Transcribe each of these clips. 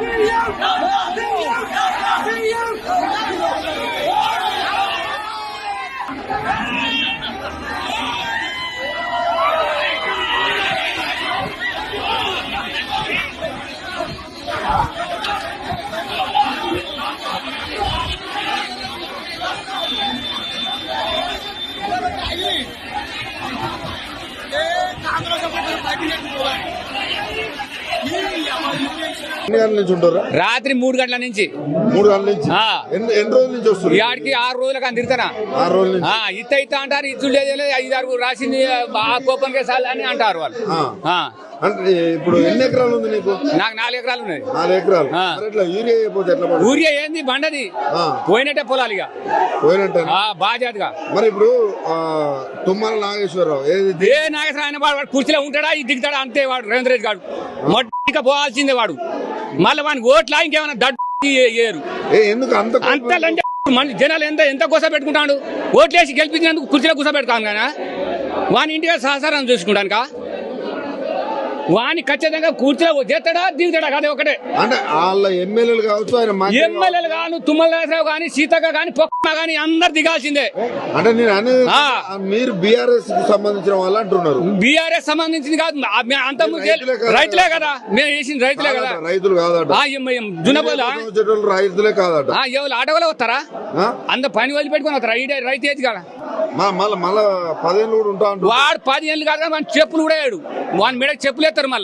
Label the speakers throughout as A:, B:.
A: రాత్రి 3 గంటల నుంచి
B: 3 గంటల నుంచి ఎన్ని రోజుల నుంచి వస్తుంది?
A: ఇవాడికి 6 రోజులకు అని తిరుగుతానా.
B: 6 రోజుల నుంచి
A: ఇత్త అంటారు, ఇచ్చుడు లేదు, 5-6 రాసింది కోపం కేసాలు అని అంటారు వాళ్ళు.
B: అంటే ఇప్పుడు ఎన్ని ఎకరాలు ఉంది నీకు?
A: నాకు 4 ఎకరాలు ఉన్నాయి.
B: 4 ఎకరాలు. ఇట్లా యూరియా అయిపోతే ఎట్లా?
A: యూరియా ఏంది బండది పోయినట్టే పొలాలు ఇక
B: పోయినట్టే
A: బాధ్యతగా.
B: మరి ఇప్పుడు తుమ్మల నాగేశ్వరరావు
A: ఏ నాగేశ్వర ఆయన వాడు కుర్చీలో ఉంటాడా, ఇది దిగుతాడా అంతే. వాడు రేవంత్ రెడ్డి గారు మొట్టిక పోవాల్సిందే వాడు. మళ్ళీ వాడికి ఓట్లా ఇంకేమైనా దడ్డు
B: ఎందుకు అంత
A: లంచ మన జనాలు ఎంత గుస పెట్టుకుంటాడు. ఓట్లేసి గెలిపించినందుకు కుర్చీలో గుస పెడతాను కానీ వాని ఇంటిగా సహసారం చూసుకుంటానుక వాని ఖచ్చితంగా కూర్చోలే చేస్తాడా దిగుతాడా కదా ఒకటే.
B: అంటే వాళ్ళ ఎమ్మెల్యేలు కావచ్చు, ఆయన
A: ఎమ్మెల్యేలు కాను, తుమ్మల నాగేశ్వరరావు కానీ, సీతక్క కానీ, పొక్క కానీ అందరు దిగాల్సిందే.
B: అంటే నేను అనేది మీరు బీఆర్ఎస్ కి సంబంధించిన వాళ్ళు అంటున్నారు.
A: బీఆర్ఎస్ సంబంధించింది కాదు, అంత రైతులే కదా మేము వేసింది, రైతులే కదా.
B: రైతులు కాదట
A: జునబోల
B: రైతులే కాదట.
A: ఎవరు ఆటోలో వస్తారా? అంత పని వదిలిపెట్టుకుని వస్తారా? ఈ రైతు ఏది కదా.
B: మళ్ళా 10 ఏళ్ళు కూడా ఉంటా.
A: వాడు 10 ఏళ్ళు కాదు మన చెప్పులు కూడా వేయడు. వాని మీద చెప్పులు ఎత్తారు మళ్ళా.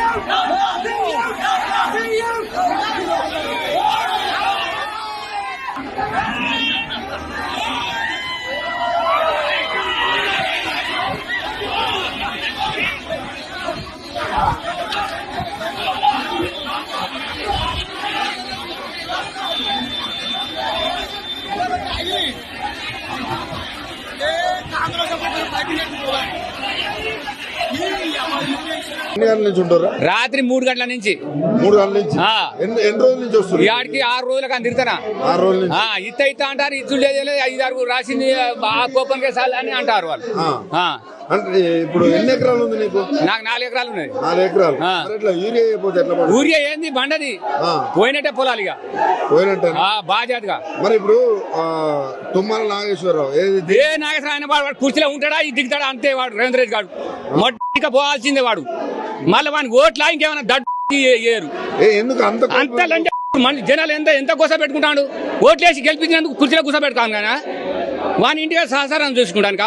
A: రాత్రి 3 గంటల నుంచి
B: 3 గంటల నుంచి ఎన్ని రోజుల నుంచి వస్తుంది?
A: ఇవాడికి 6 రోజులకు అని తిరుగుతానా.
B: 6 రోజుల నుంచి
A: ఇత్త అంటారు, ఇచ్చుడు లేదు, 5-6 రాసింది కోపం కేసాలు అని అంటారు వాళ్ళు.
B: అంటే ఇప్పుడు ఎన్ని ఎకరాలు ఉంది నీకు?
A: నాకు 4 ఎకరాలు ఉన్నాయి.
B: 4 ఎకరాలు. ఇట్లా యూరియా అయిపోతే ఎట్లా?
A: యూరియా ఏంది బండది పోయినట్టే పొలాలు ఇక
B: పోయినట్టే
A: బాధ్యతగా.
B: మరి ఇప్పుడు తుమ్మల నాగేశ్వరరావు
A: ఏ నాగేశ్వర ఆయన వాడు కుర్చీలో ఉంటాడా, ఇది దిగుతాడా అంతే. వాడు రేవంత్ రెడ్డి గారు మొట్టిక పోవాల్సిందే వాడు. మళ్ళీ వానికి ఓట్లా ఇంకేమైనా దడ్డు
B: ఎందుకు
A: అంత లంచ మన జనాలు ఎంత గుస పెట్టుకుంటాడు. ఓట్లేసి గెలిపించినందుకు కుర్చీలో గుస పెడతాను కానీ వాని ఇంటిగా సహసారం చూసుకుంటానుక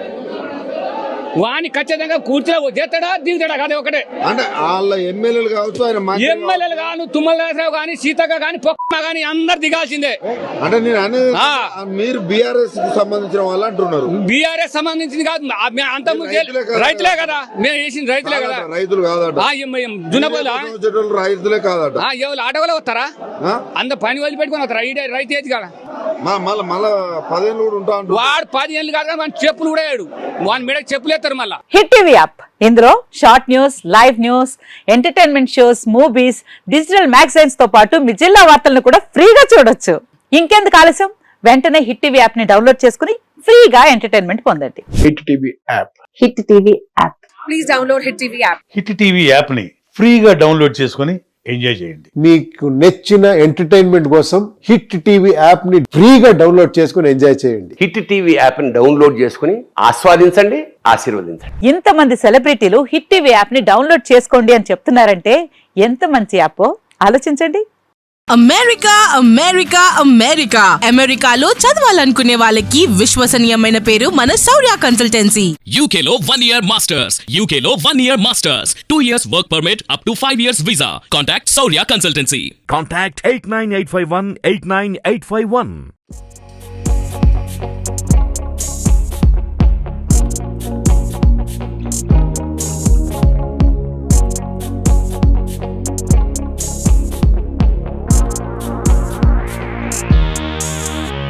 A: వాని ఖచ్చితంగా కూర్చోలే చేస్తాడా దిగుతాడా కదా ఒకటే.
B: అంటే వాళ్ళ ఎమ్మెల్యేలు కావచ్చు, ఆయన
A: ఎమ్మెల్యేలు కాను, తుమ్మల నాగేశ్వరరావు కానీ, సీతక్క కానీ, పొక్క కానీ అందరు దిగాల్సిందే.
B: అంటే నేను అనేది మీరు బీఆర్ఎస్ కి సంబంధించిన వాళ్ళు అంటున్నారు.
A: బీఆర్ఎస్ సంబంధించింది కాదు, అంత రైతులే కదా మేము వేసింది, రైతులే కదా.
B: రైతులు కాదట
A: జునబోల
B: రైతులే కాదట.
A: ఎవరు ఆటోలో వస్తారా? అంత పని వదిలిపెట్టుకుని వస్తారా? ఈ రైతు ఏది కదా.
B: మళ్ళా 10 ఏళ్ళు కూడా ఉంటా.
A: వాడు 10 ఏళ్ళు కాదు మన చెప్పులు కూడా వేయడు. వాని మీద చెప్పులు ఎత్తారు మళ్ళా.
C: హిట్ టీవీ యాప్, ఇందులో short news, live news, entertainment shows, movies, digital magazines తో పాటు మీ జిల్లా వార్తలను కూడా ఫ్రీగా చూడొచ్చు. ఇంకెందుకు ఆలస్యం, వెంటనే హిట్ టీవీ యాప్ ని డౌన్లోడ్ చేసుకుని ఫ్రీగా ఎంటర్టైన్మెంట్ పొందండి.
D: Hit TV app.
C: Hit TV app.
E: Please download hit TV app.
D: Hit TV app ని ఫ్రీగా డౌన్లోడ్ చేసుకుని ఎంజాయ్ చేయండి.
F: మీకు నచ్చిన ఎంటర్టైన్మెంట్ కోసం హిట్ టీవీ యాప్ ని ఫ్రీగా డౌన్లోడ్ చేసుకుని ఎంజాయ్ చేయండి.
G: హిట్ టీవీ యాప్ ని డౌన్లోడ్ చేసుకుని ఆస్వాదించండి, ఆశీర్వదించండి.
C: ఇంతమంది సెలబ్రిటీలు హిట్ టీవీ యాప్ ని డౌన్లోడ్ చేసుకోండి అని చెప్తున్నారంటే ఎంత మంచి యాప్ ఆలోచించండి.
E: అమెరికా అమెరికా అమెరికా అమెరికాలో చదవాలనుకునే వాళ్ళకి విశ్వసనీయమైన పేరు మన శౌర్య కన్సల్టెన్సీ.
H: UK లో 1 year masters. UK లో 1 year masters. 2 years work permit up to 5 years visa. Contact Saurya Consultancy.
I: Contact 89851 89851.